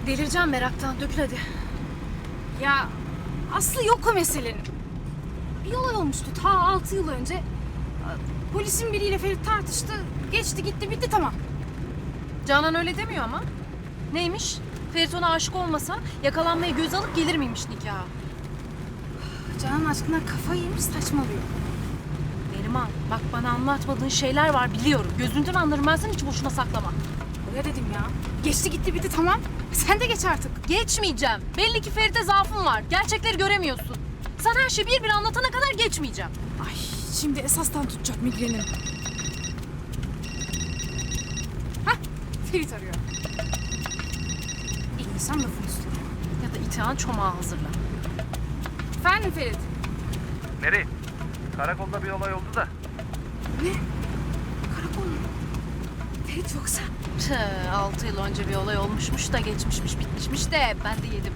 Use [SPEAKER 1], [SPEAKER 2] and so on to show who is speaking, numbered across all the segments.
[SPEAKER 1] Delireceğim meraktan. Dökül hadi.
[SPEAKER 2] Ya aslı yok o meselenin. Bir olay olmuştu ta 6 yıl önce. Polisin biriyle Ferit tartıştı. Geçti gitti bitti tamam.
[SPEAKER 1] Canan öyle demiyor ama. Neymiş? Ferit ona aşık olmasa yakalanmayı göze alıp gelir miymiş nikaha?
[SPEAKER 2] Canan aşkına kafayı yemiş saçmalıyor.
[SPEAKER 1] Neriman bak bana anlatmadığın şeyler var biliyorum. Gözünden anlarım ben seni hiç boşuna saklama.
[SPEAKER 2] Öyle dedim ya. Geçti gitti bitti tamam. Sen de geç artık.
[SPEAKER 1] Geçmeyeceğim. Belli ki Ferit'e zaafın var. Gerçekleri göremiyorsun. Sana her şeyi bir anlatana kadar geçmeyeceğim.
[SPEAKER 2] Ay şimdi esastan tutacak migrenim. Hah Ferit arıyor. İnsan lafın üstüne.
[SPEAKER 1] Ya da itihan çomağı hazırla.
[SPEAKER 2] Efendim Ferit.
[SPEAKER 3] Nereye? Karakolda bir olay oldu da.
[SPEAKER 2] Ne? Karakol mu? Ferit yoksa?
[SPEAKER 1] 6 yıl önce bir olay olmuşmuş da geçmişmiş bitmişmiş de ben de yedim.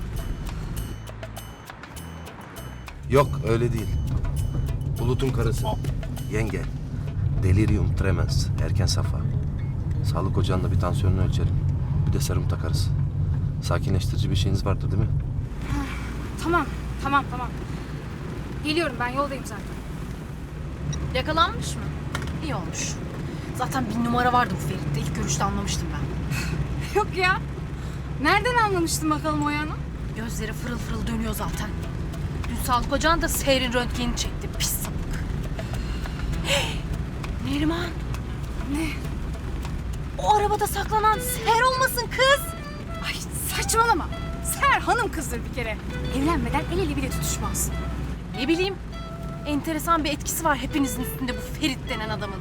[SPEAKER 4] Yok öyle değil. Bulut'un karısı. Yenge. Delirium tremens. Erken safha. Sağlık ocağında bir tansiyonunu ölçelim. Bir de serum takarız. Sakinleştirici bir şeyiniz vardır değil mi?
[SPEAKER 2] Tamam. Geliyorum ben yoldayım zaten.
[SPEAKER 1] Yakalanmış mı? İyi olmuş. Zaten bir numara vardı bu Ferit'te. İlk görüşte anlamıştım ben.
[SPEAKER 2] Yok ya. Nereden anlamıştın bakalım o yanı?
[SPEAKER 1] Gözleri fırıl fırıl dönüyor zaten. Dün sağlık ocağında Seher'in röntgenini çekti. Pis sapık. Neriman.
[SPEAKER 2] Ne?
[SPEAKER 1] O arabada saklanan Seher olmasın kız.
[SPEAKER 2] Ay saçmalama. Ser hanım kızdır bir kere. Evlenmeden el ele bile tutuşmaz.
[SPEAKER 1] Ne bileyim. Enteresan bir etkisi var hepinizin üstünde bu Ferit denen adamın.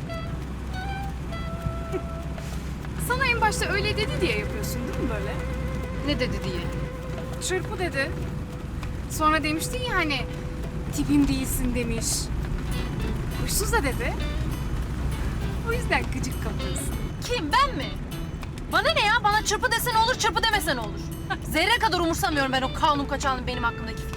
[SPEAKER 2] Sana en başta öyle dedi diye yapıyorsun değil mi böyle?
[SPEAKER 1] Ne dedi diye.
[SPEAKER 2] Çırpı dedi. Sonra demiştin ya hani tipim değilsin demiş. Huysuz da dedi. O yüzden gıcık kapıyorsun.
[SPEAKER 1] Kim ben mi? Bana ne ya? Bana çırpı desen olur, çırpı demesen olur. Zerre kadar umursamıyorum ben o kanun kaçağının benim hakkımdaki